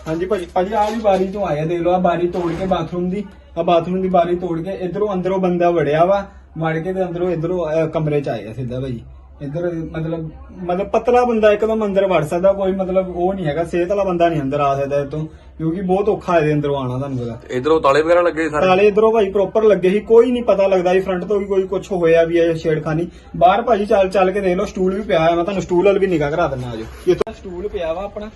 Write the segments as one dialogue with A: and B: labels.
A: हाँ जी भाजी भाजी आ भी बारी तो आया देख लो, आ बारी तोड़ के बाथरूम की बारी तोड़ के इधरों अंदरों बंदा वड़िया वा, वड़ के ते अंदरों इधरों कमरे च आया सीधा भाजी। इधर मतलब पतला बंदा एकदम अंदर वड़ सकता, कोई मतलब वो नहीं है, सेहत वाला बंदा नहीं अंदर आ सकता इतों, क्योंकि बहुत औखा है अंदरों आना। तुहानू पता
B: इधरों ताले वगैरह लगे सारे? ताले
A: इधरों भाई प्रॉपर लगे ही, कोई नहीं पता लगता ही फ्रंट तो भी कोई कुछ होया भी है छेड़खानी। बाहर भाजी चल चल के देख लो, स्टूल भी पिया है, मैं तुहानू स्टूल वाल भी निगाह करा देना। आज ये तो स्टूल पिया वा अपना,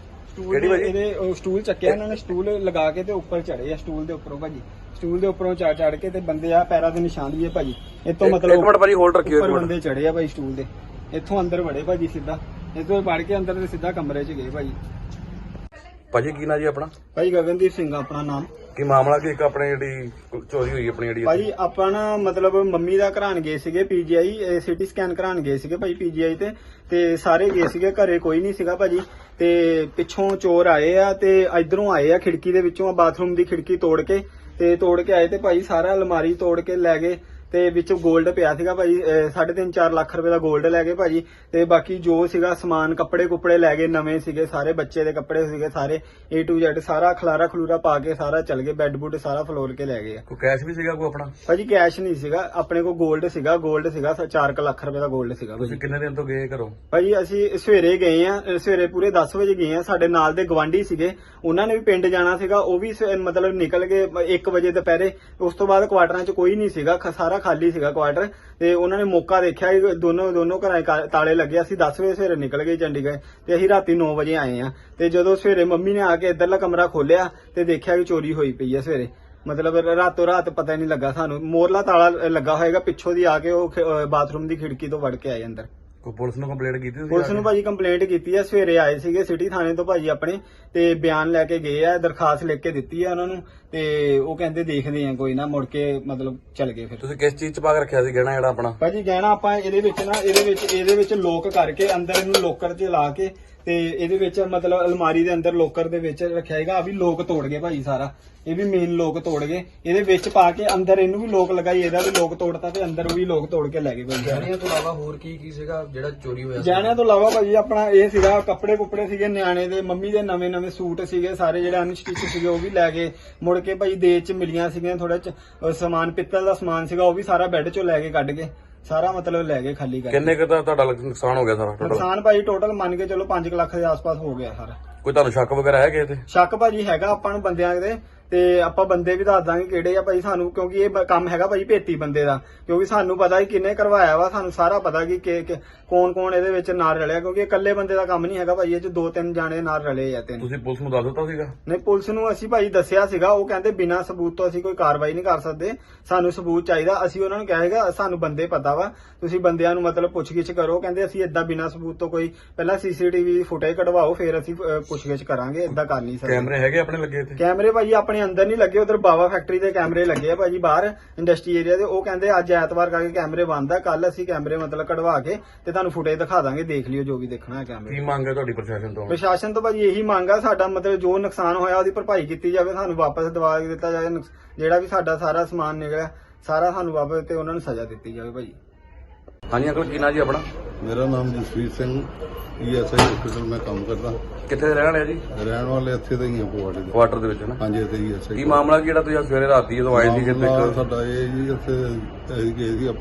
A: स्टूल चक्या इन्होंने, स्टूल लगा के ते उपर चढ़े आ, स्टूल के उपरों भाजी, स्टूल के उपरों चढ़ चढ़ के ते बंदे आ पैरों के निशान भी है भाजी। इतों मतलब ऊपर बंदे चढ़े आ भाई स्टूल के, इत्थों अंदर वड़े भाजी सीधा, इतों वड़ के अंदर ते सीधा कमरे च गए भाजी।
B: भाजी की ना जी अपना?
A: भाई गगनदीप सिंह अपना नाम।
B: की मामला की अपने चोरी हुई अपनी
A: भाजी ਆਪਾਂ ਨਾ मतलब ਮੰਮੀ ਦਾ ਘਰਾਣ ਗਏ ਸੀਗੇ ਪੀਜੀਆਈ, ਸਿਟੀ ਸਕੈਨ ਘਰਾਣ ਗਏ ਸੀਗੇ ਭਾਈ ਪੀਜੀਆਈ ਤੇ ਸਾਰੇ ਗਏ ਸੀਗੇ, ਘਰੇ ਕੋਈ ਨਹੀਂ ਸੀਗਾ ਭਾਜੀ। ਤੇ ਪਿੱਛੋਂ ਚੋਰ ਆਏ ਆ ਤੇ ਇਧਰੋਂ ਆਏ ਆ, ਖਿੜਕੀ ਦੇ ਵਿੱਚੋਂ ਬਾਥਰੂਮ ਦੀ ਖਿੜਕੀ ਤੋੜ ਕੇ ਆਏ ਤੇ ਭਾਈ ਸਾਰਾ ਅਲਮਾਰੀ ਤੋੜ ਕੇ ਲੈ ਗਏ ਤੇ ਵਿੱਚ 골ਡ ਪਿਆ ਸੀਗਾ ਭਾਜੀ, 3.5-4 ਲੱਖ ਰੁਪਏ ਦਾ 골ਡ ਲੈ ਗਏ ਭਾਜੀ। ਤੇ ਬਾਕੀ ਜੋ ਸੀਗਾ ਸਮਾਨ ਕੱਪੜੇ ਕੁੱਪੜੇ ਲੈ ਗਏ, ਨਵੇਂ ਸੀਗੇ ਸਾਰੇ, ਬੱਚੇ ਦੇ ਕੱਪੜੇ ਸੀਗੇ ਸਾਰੇ, A to Z ਸਾਰਾ ਖਲਾਰਾ ਖਲੂਰਾ ਪਾ ਕੇ ਸਾਰਾ ਚਲ ਗਏ, ਬੈੱਡ ਬੁੱਡ ਸਾਰਾ ਫਲੋਰ ਕੇ ਲੈ ਗਏ।
B: ਕੋਈ ਕੈਸ਼ ਵੀ ਸੀਗਾ ਕੋਈ ਆਪਣਾ?
A: ਭਾਜੀ ਕੈਸ਼ ਨਹੀਂ ਸੀਗਾ ਆਪਣੇ ਕੋਲ, 골ਡ ਸੀਗਾ 4 ਲੱਖ ਰੁਪਏ ਦਾ 골ਡ ਸੀਗਾ।
B: ਤੁਸੀਂ ਕਿੰਨੇ ਦਿਨ ਤੋਂ ਗਏ ਘਰੋਂ?
A: ਭਾਜੀ ਅਸੀਂ ਸਵੇਰੇ ਗਏ ਆ, ਸਵੇਰੇ ਪੂਰੇ 10 ਵਜੇ ਗਏ ਆ। ਸਾਡੇ ਨਾਲ ਦੇ ਗਵਾਂਢੀ ਸੀਗੇ, ਉਹਨਾਂ ਨੇ ਵੀ ਪਿੰਡ ਜਾਣਾ ਸੀਗਾ, ਉਹ ਵੀ ਮਤਲਬ ਨਿਕਲ ਗਏ 1 ਵਜੇ ਦੁਪਹਿਰੇ। ਉਸ ਤੋਂ ਬਾਅਦ ਕੁਆਟਰਾਂ 'ਚ ਕੋਈ ਨਹੀਂ ਸੀਗਾ, ਸਾਰਾ ਖਾਲੀ ਸੀਗਾ ਕੁਆਟਰ। ਤੇ ਉਹਨਾਂ ਨੇ ਮੌਕਾ ਦੇਖਿਆ, ਦੋਨੋਂ ਘਰਾਂ ਤਾਲੇ ਲੱਗੇ। ਅਸੀਂ 10 ਵਜੇ ਸਵੇਰੇ ਨਿਕਲ ਗਏ ਚੰਡੀਗੜ੍ਹ ਤੇ ਅਸੀਂ ਰਾਤੀ 9 ਵਜੇ ਆਏ ਆ। ਤੇ ਜਦੋਂ ਸਵੇਰੇ ਮੰਮੀ ਨੇ ਆ ਕੇ ਇੱਧਰਲਾ ਕਮਰਾ ਖੋਲਿਆ ਤੇ ਦੇਖਿਆ ਕਿ ਚੋਰੀ ਹੋਈ ਪਈ ਆ ਸਵੇਰੇ। ਮਤਲਬ ਰਾਤੋਂ ਰਾਤ ਪਤਾ ਨਹੀਂ ਲੱਗਾ ਸਾਨੂੰ, ਮੋਰਲਾ ਤਾਲਾ ਲੱਗਾ ਹੋਏਗਾ, ਪਿੱਛੋਂ ਦੀ ਆ ਕੇ ਉਹ ਬਾਥਰੂਮ ਦੀ ਖਿੜਕੀ ਤੋਂ ਵੜ ਕੇ ਆਏ ਅੰਦਰ।
B: ਕੋਈ ਪੁਲਿਸ ਨੂੰ ਕੰਪਲੇਂਟ ਕੀਤੀ ਸੀ?
A: ਪੁਲਿਸ ਨੂੰ ਭਾਜੀ ਕੰਪਲੇਂਟ ਕੀਤੀ ਹੈ, ਸਵੇਰੇ ਆਏ ਸੀਗੇ ਸਿਟੀ ਥਾਣੇ ਤੋਂ ਭਾਜੀ ਆਪਣੇ, ਤੇ ਬਿਆਨ ਲੈ ਕੇ ਗਏ ਆ, ਦਰਖਾਸਤ ਲਿਖ ਕੇ ਦਿੱਤੀ ਆ ਉਹਨਾਂ ਨੂੰ। ਤੇ ਉਹ ਕਹਿੰਦੇ ਦੇਖਦੇ ਆ ਕੋਈ ਨਾ, ਮੁੜ ਕੇ ਮਤਲਬ ਚੱਲ ਗਏ। ਫਿਰ
B: ਤੁਸੀਂ ਕਿਸ ਚੀਜ਼ ਚ ਪਾ ਕੇ ਰੱਖਿਆ ਸੀ ਗਹਿਣਾ ਜਿਹੜਾ ਆਪਣਾ?
A: ਭਾਜੀ ਗਹਿਣਾ ਆਪਾਂ ਇਹਦੇ ਵਿੱਚ ਲੋਕ ਕਰਕੇ ਅੰਦਰ ਇਹਨੂੰ ਲੋਕਰ 'ਚ ਲਾ ਕੇ ਤੇ ਇਹਦੇ ਵਿੱਚ ਮਤਲਬ ਅਲਮਾਰੀ ਦੇ ਅੰਦਰ ਲੋਕਰ ਦੇ ਵਿੱਚ ਰੱਖਿਆ ਹੈਗਾ। ਆ ਵੀ ਲੋਕ ਤੋੜ ਗਏ ਭਾਜੀ ਸਾਰਾ, ਇਹ ਵੀ ਮੇਨ ਲੋਕ ਤੋੜ ਗਏ, ਇਹਦੇ ਵਿੱਚ ਪਾ ਕੇ ਅੰਦਰ ਇਹਨੂੰ ਵੀ ਲੋਕ ਲਗਾਈ, ਇਹਦਾ ਵੀ ਲੋਕ ਤੋੜਤਾ ਤੇ ਅੰਦਰ ਵੀ ਲੋਕ ਤੋੜ ਕੇ ਲੈ ਗਏ ਭਾਜੀ।
C: ਗਹਿਣਿਆਂ ਤੋਂ ਇਲਾਵਾ ਹੋਰ ਕੀ ਸੀਗਾ ਜਿਹੜਾ ਚੋਰੀ ਹੋਇਆ?
A: ਗਹਿਣਿਆਂ ਤੋਂ ਇਲਾਵਾ ਭਾਜੀ ਆਪਣਾ ਇਹ ਸੀਗਾ, ਕੱਪੜੇ ਕੁੱਪੜੇ ਸੀਗੇ ਨਿਆਣੇ ਦੇ, ਮੰਮੀ ਦੇ ਨਵੇਂ ਸੂਟ ਸੀਗੇ ਸਾਰੇ ਜਿਹੜੇ ਅਨਸਟਿਚ ਸੀਗੇ, ਉਹ ਵੀ ਲੈ ਗਏ। ਮੁੜ ਕੇ ਭਾਜੀ ਦੇਜ 'ਚ ਮਿਲੀਆਂ ਸੀਗੀਆਂ ਥੋੜਾ ਸਮਾਨ, ਪਿੱਤਲ ਦਾ ਸਮਾਨ ਸੀਗਾ, ਉਹ ਵੀ ਸਾਰਾ ਬੈੱਡ 'ਚੋਂ ਲੈ ਕੇ ਕੱਢ ਕੇ ਸਾਰਾ ਮਤਲਬ ਲੈ ਗਏ ਖਾਲੀ ਕਰਕੇ।
B: ਕਿੰਨੇ ਕੁ ਦਾ ਤੁਹਾਡਾ ਨੁਕਸਾਨ ਹੋ ਗਿਆ ਸਾਰਾ ਟੋਟਲ?
A: ਨੁਕਸਾਨ ਭਾਜੀ ਟੋਟਲ ਮੰਨ ਕੇ ਚਲੋ 5 ਲੱਖ ਦੇ ਆਸ-ਪਾਸ ਹੋ ਗਿਆ ਸਾਰਾ।
B: ਕੋਈ ਤੁਹਾਨੂੰ ਸ਼ੱਕ ਵਗੈਰਾ ਹੈ ਕਿਸੇ ਤੇ?
A: ਸ਼ੱਕ ਭਾਜੀ ਹੈਗਾ ਆਪਾਂ ਨੂੰ ਬੰਦਿਆਂ ਦੇ, ਤੇ ਆਪਾਂ ਬੰਦੇ ਵੀ ਦੱਸ ਦਾਂਗੇ ਕਿਹੜੇ ਆ ਭਾਈ ਸਾਨੂੰ, ਕਿਉਂਕਿ ਇਹ ਕੰਮ ਹੈਗਾ ਭਾਈ ਭੇਤੀ ਬੰਦੇ ਦਾ, ਕਿਉਂਕਿ ਸਾਨੂੰ ਪਤਾ ਹੀ ਕਿੰਨੇ ਕਰਵਾਇਆ ਵਾ, ਸਾਨੂੰ ਸਾਰਾ ਪਤਾ ਕਿ ਕੌਣ ਇਹਦੇ ਵਿੱਚ ਨਾਲ ਰਲਿਆ, ਕਿਉਂਕਿ ਇਕੱਲੇ ਬੰਦੇ ਦਾ ਕੰਮ ਨਹੀਂ ਹੈਗਾ ਭਾਈ, ਇਹ 'ਚ 2-3 ਜਾਣੇ ਨਾਲ ਰਲੇ ਆ।
B: ਤੁਸੀਂ ਪੁਲਿਸ ਨੂੰ ਦੱਸ ਦਿੱਤਾ ਸੀਗਾ?
A: ਨਹੀਂ, ਪੁਲਿਸ ਨੂੰ ਅਸੀਂ ਭਾਈ ਦੱਸਿਆ ਸੀਗਾ, ਉਹ ਕਹਿੰਦੇ ਬਿਨਾਂ ਸਬੂਤ ਤੋਂ ਅਸੀਂ ਕੋਈ ਕਾਰਵਾਈ ਨਹੀਂ ਕਰ ਸਕਦੇ, ਸਾਨੂੰ ਸਬੂਤ ਚਾਹੀਦਾ। ਅਸੀਂ ਉਹਨਾਂ ਨੂੰ ਕਹੇਗਾ ਸਾਨੂੰ ਬੰਦੇ ਪਤਾ ਵਾ, ਤੁਸੀਂ ਬੰਦਿਆਂ ਨੂੰ ਮਤਲਬ ਪੁੱਛਗਿੱਛ ਕਰੋ। ਕਹਿੰਦੇ ਅਸੀਂ ਏਦਾਂ ਬਿਨਾਂ ਸਬੂਤ ਤੋਂ ਕੋਈ, ਪਹਿਲਾਂ CCTV ਫੁਟੇਜ ਕਢਵਾਓ ਫਿਰ ਅਸੀਂ ਪੁੱਛਗਿੱਛ ਕਰਾਂਗੇ, ਏਦਾਂ ਕਰ ਨਹੀਂ ਸਕਦੇ।
B: ਕੈਮਰੇ ਹੈਗੇ ਆਪਣੇ ਲੱਗੇ ਇੱਥੇ?
A: ਕੈਮਰੇ ਭਾਜੀ ਆਪਣੇ ਅੰਦਰ ਨਹੀਂ ਲੱਗੇ, ਉਧਰ ਬਾਵਾ ਫੈਕਟਰੀ ਦੇ ਕੈਮਰੇ ਲੱਗੇ ਆ ਭਾਜੀ ਬਾਹਰ ਇੰਡਸਟਰੀ ਏਰੀਆ ਦੇ। ਉਹ ਕਹਿੰਦੇ ਅੱਜ ਐਤਵਾਰ ਕਰਕੇ ਕੈਮਰੇ ਬੰਦ ਆ, ਕੱਲ ਅਸੀਂ ਕੈਮਰੇ ਮਤਲਬ ਕਢਵਾ ਕੇ ਤੇ ਤੁਹਾਨੂੰ ਫੁਟੇਜ ਦਿਖਾ ਦਾਂਗੇ, ਦੇਖ ਲਿਓ ਜੋ ਵੀ ਦੇਖਣਾ ਹੈ ਕੈਮਰੇ।
B: ਕੀ ਮੰਗ ਹੈ ਤੁਹਾਡੀ ਪ੍ਰਸ਼ਾਸਨ ਤੋਂ?
A: ਪ੍ਰਸ਼ਾਸਨ ਤੋਂ ਭਾਜੀ ਇਹੀ ਮੰਗ ਆ ਸਾਡਾ, ਮਤਲਬ ਜੋ ਨੁਕਸਾਨ ਹੋਇਆ ਉਹਦੀ ਭਰਪਾਈ ਕੀਤੀ ਜਾਵੇ, ਸਾਨੂੰ ਵਾਪਸ ਦਵਾ ਦਿੱਤਾ ਜਾਵੇ, ਜਿਹੜਾ ਵੀ ਸਾਡਾ ਸਾਰਾ ਸਮਾਨ ਨਿਕਲਿਆ ਸਾਰਾ ਸਾਨੂੰ ਵਾਪਸ, ਤੇ ਉਹਨਾਂ ਨੂੰ ਸਜ਼ਾ ਦਿੱਤੀ ਜਾਵੇ ਭਾਜੀ।
B: ਹਾਂਜੀ ਅੰਕਲ ਕੀ ਨਾਂ ਜੀ ਆਪਣਾ?
D: ਮੇਰਾ ਨਾਮ ਜਸਵੀਰ ਸਿੰਘ, ESI ਹਸਪੀਟਲ ਮੈਂ ਕੰਮ ਕਰਦਾ।
B: ਕਿੱਥੇ ਦੇ ਰਹਿਣ ਵਾਲੇ ਜੀ?
D: ਰਹਿਣ ਵਾਲੇ ਇੱਥੇ ਦੇ ਹੀ ਆ, ਪਵਾੜੇ ਦੇ।
B: ਕੁਆਟਰ ਦੇ ਵਿੱਚ ਨਾ?
D: ਹਾਂਜੀ ਇੱਥੇ ESI।
B: ਕੀ ਮਾਮਲਾ ਜਿਹੜਾ ਤੁਸੀਂ ਸਵੇਰੇ ਰਾਤੀ ਜਦੋਂ ਆਏ ਸੀ ਕਿਤੇ?
D: ਸਾਡਾ ਇਹ ਜੀ ਇੱਥੇ ਅਸੀਂ ਗਏ ਸੀ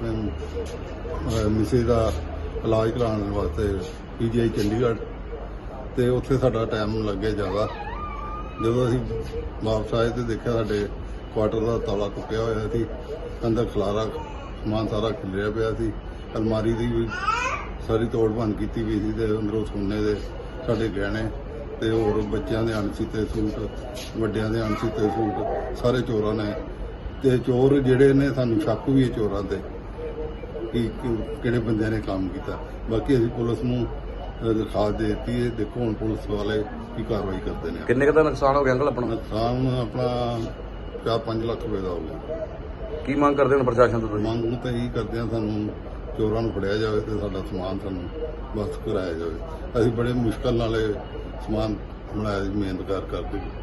D: ਆਪਣੇ ਮਿਸੇ ਦਾ ਇਲਾਜ ਕਰਾਉਣ ਵਾਸਤੇ PGI ਚੰਡੀਗੜ੍ਹ, ਤੇ ਉੱਥੇ ਸਾਡਾ ਟਾਈਮ ਲੱਗਿਆ ਜ਼ਿਆਦਾ। ਜਦੋਂ ਅਸੀਂ ਵਾਪਸ ਆਏ ਤੇ ਦੇਖਿਆ ਸਾਡੇ ਕੁਆਟਰ ਦਾ ਤਾਲਾ ਟੁੱਟਿਆ ਹੋਇਆ ਸੀ, ਅੰਦਰ ਖਲਾਰਾ ਸਮਾਨ ਸਾਰਾ ਖਿਲਰਿਆ ਪਿਆ ਸੀ, ਅਲਮਾਰੀ ਦੀ ਵੀ ਸਾਰੀ ਤੋੜ ਭੰਨ ਕੀਤੀ ਵੀ ਸੀ, ਤੇ ਅੰਦਰੋਂ ਸੋਨੇ ਦੇ ਸਾਡੇ ਗਹਿਣੇ ਤੇ ਹੋਰ ਬੱਚਿਆਂ ਦੇ ਅਣਸੀਤੇ ਸੂਟ, ਵੱਡਿਆਂ ਦੇ ਅਣਸੀਤੇ ਸੂਟ ਸਾਰੇ ਚੋਰਾਂ ਨੇ। ਤੇ ਚੋਰ ਜਿਹੜੇ ਨੇ ਸਾਨੂੰ ਸ਼ੱਕ ਵੀ ਹੈ ਚੋਰਾਂ ਤੇ ਕਿ ਕਿਹੜੇ ਬੰਦਿਆਂ ਨੇ ਕੰਮ ਕੀਤਾ। ਬਾਕੀ ਅਸੀਂ ਪੁਲਿਸ ਨੂੰ ਦਰਖਾਸਤ ਦੇ ਦਿੱਤੀ ਹੈ, ਦੇਖੋ ਹੁਣ ਪੁਲਿਸ ਵਾਲੇ ਕੀ ਕਾਰਵਾਈ ਕਰਦੇ ਨੇ।
B: ਕਿੰਨੇ ਕੁ ਦਾ ਨੁਕਸਾਨ ਹੋ ਗਿਆ ਅੰਕਲ ਆਪਣਾ?
D: ਨੁਕਸਾਨ ਆਪਣਾ 4-5 ਲੱਖ ਰੁਪਏ ਦਾ ਹੋ ਗਿਆ।
B: ਕੀ ਮੰਗ ਕਰਦੇ ਹੋ ਪ੍ਰਸ਼ਾਸਨ ਤੋਂ ਤੁਸੀਂ?
D: ਮੰਗ ਤਾਂ ਇਹੀ ਕਰਦੇ ਹਾਂ, ਸਾਨੂੰ ਚੋਰਾਂ ਨੂੰ ਫੜਿਆ ਜਾਵੇ ਤੇ ਸਾਡਾ ਸਮਾਨ ਸਾਨੂੰ ਵਾਪਸ ਕਰਾਇਆ ਜਾਵੇ। ਅਸੀਂ ਬੜੇ ਮੁਸ਼ਕਲ ਨਾਲ ਇਹ ਸਮਾਨ ਬਣਾਇਆ, ਮਿਹਨਤ ਕਰਕੇ।